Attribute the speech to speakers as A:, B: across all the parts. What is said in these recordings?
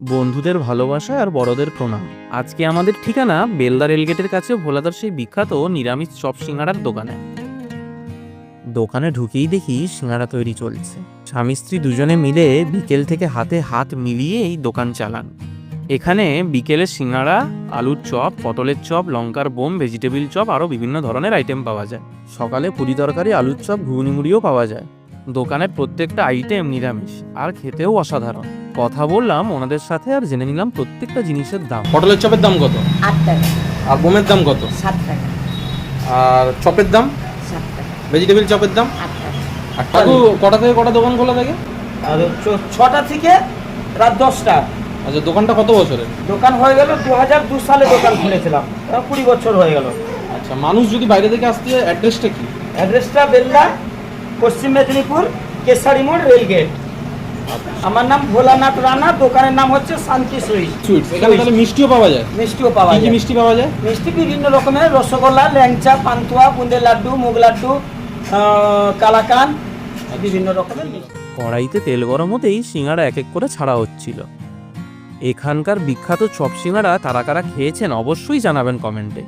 A: বন্ধুদের ভালোবাসা আর বড়দের প্রণাম। আজকে আমাদের ঠিকানা বেলদা রেলগেটের কাছে ভোলাদার সেই বিখ্যাত নিরামিষ চপ সিঙ্গাড়ার দোকানে। দোকানে ঢুকেই দেখি সিঙ্গাড়া তৈরি চলছে। স্বামী স্ত্রী দুজনে মিলে বিকেল থেকে হাতে হাত মিলিয়ে এই দোকান চালান। এখানে বিকেলে সিঙ্গাড়া, আলুর চপ, পটলের চপ, লঙ্কার বোম, ভেজিটেবিল চপ আরও বিভিন্ন ধরনের আইটেম পাওয়া যায়। সকালে পুরি তরকারি, আলুর চপ, ঘুগনি মুড়িও পাওয়া যায়। দোকানের প্রত্যেকটা আইটেম নিরামিষ আর খেতেও অসাধারণ। কথা বললাম ওনাদের সাথে আর জেনে নিলাম প্রত্যেকটা জিনিসের দাম।
B: পটলের চপের দাম কত?
C: 8 টাকা।
B: আর বোমের দাম কত?
C: 7 টাকা।
B: আর চপের দাম?
C: 7 টাকা।
B: ভেজিটেবিল চপের দাম?
C: 8 টাকা।
B: আর কাকু কটা থেকে কটা দোকান খোলা থাকে?
D: আর 6টা থেকে রাত 10টা।
B: আচ্ছা, দোকানটা কত বছরের?
D: দোকান হয়ে গেল 2002 সালে দোকান খুলেছিলাম, 20 বছর হয়ে গেল।
B: আচ্ছা, মানুষ যদি বাইরে থেকে আসতে চায় অ্যাড্রেসটা কি?
D: অ্যাড্রেসটা বেলদা, পশ্চিম মেদিনীপুর, কেশারি মোড়, রেলগেট। আমার নাম ভোলানাথ রানা, দোকানের নাম হচ্ছে শান্তি
B: সুইটস। এখানে তাহলে মিষ্টিও পাওয়া যায়?
D: মিষ্টিও পাওয়া
B: কি কি
D: যায়।
B: মিষ্টি পাওয়া যায়?
D: মিষ্টি বিভিন্ন রকমের, রসগোল্লা, ল্যাংচা, পান্তুয়া, বুন্দের লাড্ডু, মুগ লাড্ডু, কালাকান, বিভিন্ন রকমের মিষ্টি।
A: কড়াইতে তেল গরম হতেই সিঙ্গাড়া এক এক করে ছাড়া হচ্ছিল। এখানকার বিখ্যাত চপ সিঙ্গাড়া কারা কারা খেয়েছেন অবশ্যই জানাবেন কমেন্টে।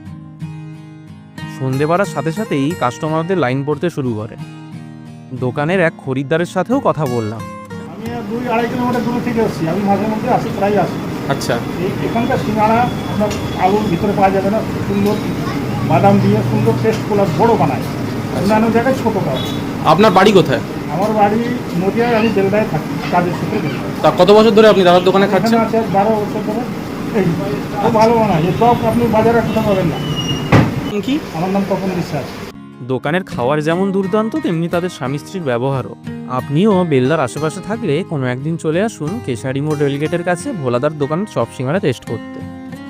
A: সন্ধে বাড়ার সাথে সাথেই কাস্টমারদের লাইন পড়তে শুরু করে। দোকানের এক খরিদ্দারের সাথেও কথা বললাম।
E: আমি 2-2.5 কিলোমিটার দূর থেকে আসছি। আমি মাঝে মধ্যে আসি, প্রায় আসি।
B: আচ্ছা,
E: এখানকার সিঙ্গাড়া আপনার আলুর ভিতরে পাওয়া যাবে না, সুন্দর বাদাম দিয়ে সুন্দর টেস্ট করে বড় বানায়, অন্যান্য জায়গায় ছোটো পাওয়া।
B: আপনার বাড়ি কোথায়?
E: আমার বাড়ি নদিয়ায়, আমি বেলদায় থাকি, কাজের সূত্রে বেলদায়।
B: তা কত বছর ধরে আপনি দাদার দোকানে খাচ্ছেন?
E: এখানে আছে 12 বছর ধরে। এই খুব ভালো বানায়, এই সব আপনি বাজারে কোথাও পাবেন না।
B: কি?
E: আমার নাম তপন বিশ্বাস।
A: দোকানের খাওয়ার যেমন দুর্দান্ত, তেমনি তাদের স্বামী স্ত্রীর ব্যবহারও। আপনিও বেলদার আশেপাশে থাকলে কোনো একদিন চলে আসুন কেশারি মোড় রেলগেটের কাছে ভোলাদার দোকানের চপ সিঙ্গাড়া টেস্ট করতে।